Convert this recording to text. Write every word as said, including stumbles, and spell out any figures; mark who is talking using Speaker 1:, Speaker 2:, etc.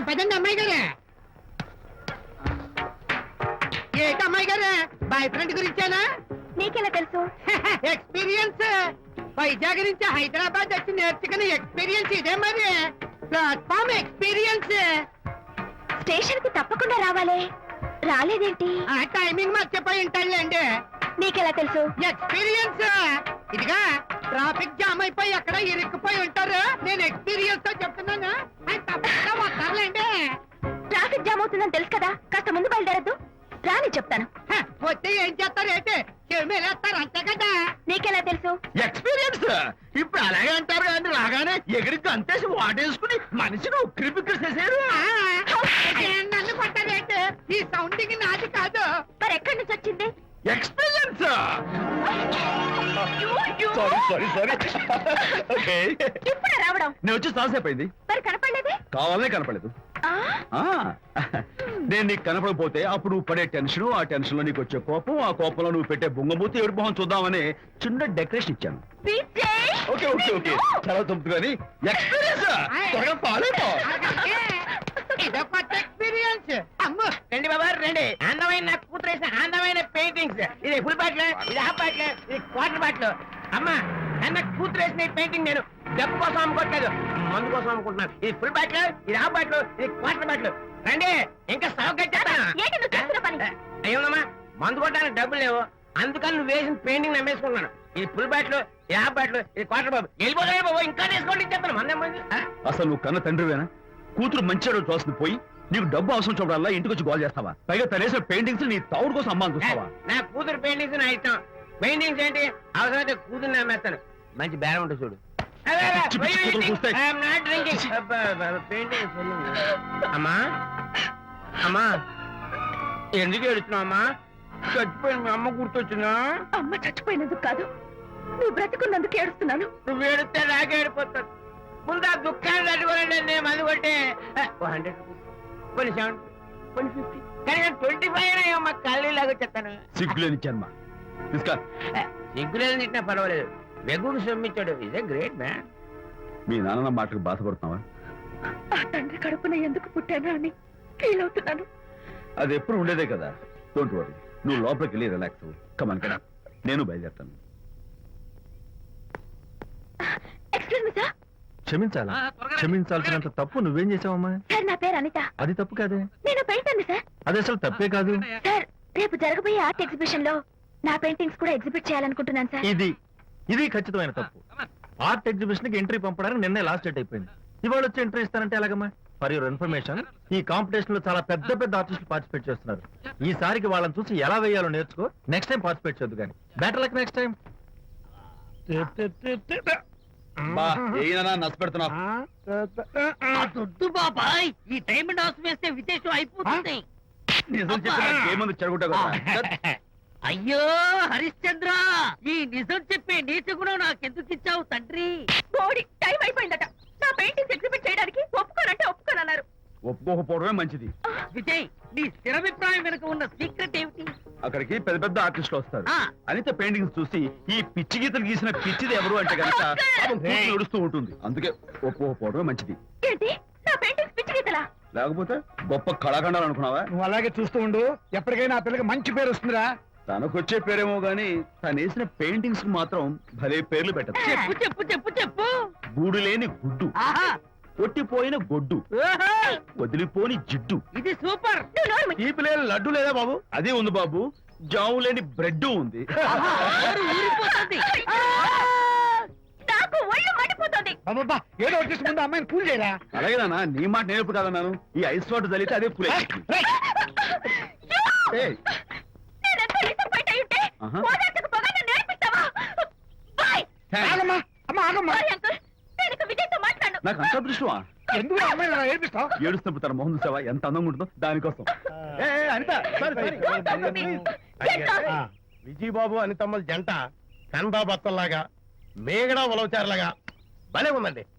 Speaker 1: పదండి అమ్మాయి గారే. ఏంటి అమ్మాయి గారే, బాయ్ ఫ్రెండ్ గురించేనా?
Speaker 2: నీకెలా తెలుసు?
Speaker 1: ఎక్స్పీరియన్స్. వైజాగ్ నుంచి హైదరాబాద్ వచ్చి నేర్చుకున్న ఎక్స్పీరియన్స్ ఇదే మరి. Platform experience.
Speaker 2: స్టేషన్ కి తప్పకుండా రావాలే, రాలేదేంటి?
Speaker 1: ఆ టైమింగ్ మర్చిపోయి ఉంటాడులేండి.
Speaker 2: నీకెలా తెలుసు?
Speaker 1: ఎక్స్పీరియన్స్. ఇదిగా ట్రాఫిక్ జామ్ అయిపోయి ఎక్కడ ఇరుక్కుపోయి ఉంటారు. నేను ఎక్స్పీరియన్స్ తో చెప్తున్నాను. ఆయన తప్పకుండా వస్తారులేండి.
Speaker 2: ట్రాఫిక్ జామ్ అవుతుందని తెలుసు కదా, కాస్త ముందు బయలుదేరద్దు. రాని చెప్తాను.
Speaker 1: వస్తే ఏం చేస్తారు ఏంటి, చెమేలేస్తారు అంతే కదా.
Speaker 2: నీకెలా తెలుసు?
Speaker 3: ఎక్స్పీరియన్స్. ఇప్పుడు అలాగే అంటారు కానీ రాగానే ఎగిరికి అంతేసి వాటేసుకుని మనిషిని ఉక్కిరి బిక్కిరి చేశారు.
Speaker 1: నన్ను కొట్టారేంటి, ఈ సౌండింగ్ నాది కాదు.
Speaker 2: మరి ఎక్కడి నుంచి వచ్చింది?
Speaker 3: Experience. Sorry sorry sorry okay.
Speaker 2: ఇప్పుడే రావడం?
Speaker 3: నేను వచ్చి చాలాసేపు అయింది.
Speaker 2: మరి కనపడలేదే?
Speaker 3: కావాలనే కనపడలేదు. నేను నీకు కనపడకపోతే అప్పుడు నువ్వు పడే టెన్షన్, ఆ టెన్షన్ లో నీకు వచ్చే కోపం, ఆ కోపంలో నువ్వు పెట్టే బొంగమూతి ఏడు మొహం చూద్దామని చిన్న డెకరేషన్ ఇచ్చాను. ఓకే ఓకే ఓకే చాలా తొమ్మిది కానీ ఎక్స్పీరియన్స్. త్వరగా పాలేపో.
Speaker 1: ఇదో కొత్త ఎక్స్పీరియన్స్. అమ్ము
Speaker 4: రండి బాబా రండి. అందమైన నాకు కూతురు వేసిన అందమైన పెయింటింగ్స్. ఇది ఫుల్ బాటిల్, ఇది హాఫ్ బాటిల్, ఇది క్వార్టర్ బాటిల్. అమ్మా అన్న కూతురు వేసిన ఈ నేను డబ్బు కోసం అమ్ముకోవట్లేదు, మందు కోసం అమ్ముకుంటున్నాను. ఇది ఫుల్ బాటిల్, ఇది హాఫ్ బాటిల్, ఇది క్వార్టర్ బాటిల్. రండి ఇంకా సౌకర్యం. అయ్యోమ్మా మందు కొట్టడానికి డబ్బులు లేవు, అందుకని నువ్వు వేసిన పెయింటింగ్ నమ్మేసుకుంటున్నాను. ఇది ఫుల్ బాటిల్, ఇది హాఫ్ బాటిల్, ఇది క్వార్టర్ బాబు. వెళ్ళిపోతాయి బాబు, ఇంకా తీసుకోండి చెప్తాను. మందం
Speaker 3: అసలు నువ్వు కన్న తండ్రివేనా? కూతురు మంచిగా చూస్తుంది పోయి నీకు డబ్బు అవసరం చూడాలా ఇంటికి వచ్చి గోల్ చేస్తావా? పైగా తనేసిన పెయింటింగ్స్ నీ తౌడు కోసం అమ్మాని చూస్తావా?
Speaker 4: నా కూతురు పెయింటింగ్స్ నా ఇష్టం. పెయింటింగ్స్ ఏంటి అవసరమైతే కూతురు నమ్మేస్తాను. మంచి బేరం ఉంటుంది చూడు. అమ్మా అమ్మా ఎందుకు ఏడుస్తున్నావు అమ్మా? చచ్చిపోయిన మీ అమ్మ గుర్తొచ్చిందా?
Speaker 2: అమ్మ చచ్చిపోయినందుకు కాదు, నువ్వు బ్రతుకున్నందుకు ఏడుస్తున్నాను.
Speaker 4: నువ్వు ఏడితే నాకే ఏడిపోతాను. ముందు ఆ దుఃఖాన్ని తట్టుకోనండి. నేను మందు కొట్టే హండ్రెడ్ రూపీస్, కొన్ని సెవెన్, కొన్ని ఫిఫ్టీ, కానీ నేను ట్వంటీ ఫైవ్ అయ్యమ్మా కళ్ళు లాగా చెప్తాను.
Speaker 3: సిగ్గులేని జన్మ.
Speaker 4: సిగ్గులేదు తిట్టినా పర్వాలేదు, వెగుడు సొమ్మించాడు. Is a great man.
Speaker 3: మీ నాన్న మాటకు బాధపడుతున్నావా?
Speaker 2: ఆ తండ్రి కడుపున ఎందుకు పుట్టానా అని ఫీల్ అవుతున్నాను.
Speaker 3: అది ఎప్పుడు ఉండేదే కదా. డోంట్ వరీ, నువ్వు లోపలికి వెళ్ళి రిలాక్స్ అవ్వు. కమాన్ కదా, నేను బయలుదేరుతాను.
Speaker 2: Excuse me sir.
Speaker 5: క్షమించాలా? క్షమించాల్సినంత తప్పు నువ్వేం చేసావమ్మా?
Speaker 2: సార్ నా పేరు అనిత.
Speaker 5: అది తప్పు కాదే.
Speaker 2: నేను పెయింటర్ సార్.
Speaker 5: అది అసలు తప్పే కాదు
Speaker 2: సార్. రేపు జరగబోయే ఆర్ట్ ఎగ్జిబిషన్ లో నా పెయింటింగ్స్ కూడా ఎగ్జిబిట్ చేయాలనుకుంటున్నాను సార్.
Speaker 5: ఇది ఇది ఖచ్చితమైన తప్పు. ఆర్ట్ ఎగ్జిబిషన్ కి ఎంట్రీ పంపడానికి నిన్నే లాస్ట్ డేట్ అయిపోయింది. ఇవాళ వచ్చి ఎంట్రీ ఇస్తానంటే ఎలాగమ్మా? ఫర్ యువర్ ఇన్ఫర్మేషన్, ఈ కాంపిటీషన్ లో చాలా పెద్ద పెద్ద ఆర్టిస్టులు పార్టిసిపేట్ చేస్తున్నారు. ఈసారికి వాళ్ళని చూసి ఎలా వేయాలో నేర్చుకో. నెక్స్ట్ టైం పార్టిసిపేట్ చేయొద్దు కానీ. Better luck next time.
Speaker 1: దొడ్డు బాబాయ్, ఈ టైం డాన్స్ వేస్తే విశేషం అయిపోతుంది.
Speaker 3: నిజం చెప్పి చెడగొట్టా.
Speaker 1: అయ్యో హరిశ్చంద్ర, ఈ నిజం చెప్పే నీతి గుణం నాకెందుకు ఇచ్చావు తండ్రి?
Speaker 2: బోడి టైం అయిపోయిందట. నా పెయింటింగ్స్ ఎగ్జిబిట్ చేయడానికి ఒప్పుకోనంటే ఒప్పుకోనన్నారు.
Speaker 3: ఒప్పుకోకపోవడమే మంచిది.
Speaker 1: విజయ్, నీ స్థిరాభిప్రాయం వెనుక ఉన్న సీక్రెట్ ఏమిటి?
Speaker 3: అక్కడికి పెద్ద పెద్ద ఆర్టిస్టులు వస్తారు.
Speaker 1: ఆ.
Speaker 3: అనిత పెయింటింగ్స్ చూసి ఈ పిచ్చి గీతలు గీసిన పిచ్చిది ఎవరు అంటే కనుక నడుస్తూ ఉంటుంది. అందుకే ఒప్పుకోకపోవడమే మంచిది.
Speaker 2: ఏంటి నా పెయింటింగ్స్ పిచ్చి గీతలా?
Speaker 3: లేకపోతే గొప్ప కళాఖండాలు అనుకున్నావా?
Speaker 6: నువ్వు అలాగే చూస్తూ ఉండు, ఎప్పటికైనా ఆ పిల్లకి మంచి పేరు వస్తుందిరా.
Speaker 3: తనకొచ్చే పేరేమో గాని తను వేసిన పెయింటింగ్స్ కు మాత్రం భలే పేర్లు పెట్టదు.
Speaker 1: చెప్పు చెప్పు చెప్పు చెప్పు.
Speaker 3: గూడు లేని గుడ్డు,
Speaker 1: ఆహా,
Speaker 3: కొట్టిపోయిన గొడ్డు,
Speaker 1: ఓహో,
Speaker 3: వదిలిపోని జిడ్డు.
Speaker 1: ఇది సూపర్.
Speaker 3: ఈ పిల్లలు లడ్డు లేదా బాబు? అదే ఉంది బాబు. జాము లేని బ్రెడ్ ఉంది.
Speaker 1: ఆహా, నోరు ఊరిపోతుంది.
Speaker 2: నాకు ఒళ్ళు మండిపోతుంది.
Speaker 6: అబ్బబ్బా, ఏదో వచ్చేసి ముందు అమ్మాయిని పూజ చేయరా.
Speaker 3: అలాగే నాన్న, నీ మాట నేర్పు కాదన్నాను. ఈ ఐస్ వాటర్ చల్లితే అదే పూలే. నాకు అంత అదృష్టమా?
Speaker 6: ఎందుకు అమ్మాయిని అలా ఏడిపిస్తావు?
Speaker 3: ఏడుస్తున్నప్పుడు తన మొహం చూసావా ఎంత అందంగా ఉంటుందో, దానికోసం.
Speaker 7: విజయబాబు అనితమ్మల జంట కన్బా బత్తల్లాగా మేగడా ఉలవచారులాగా భలే ఉందండి.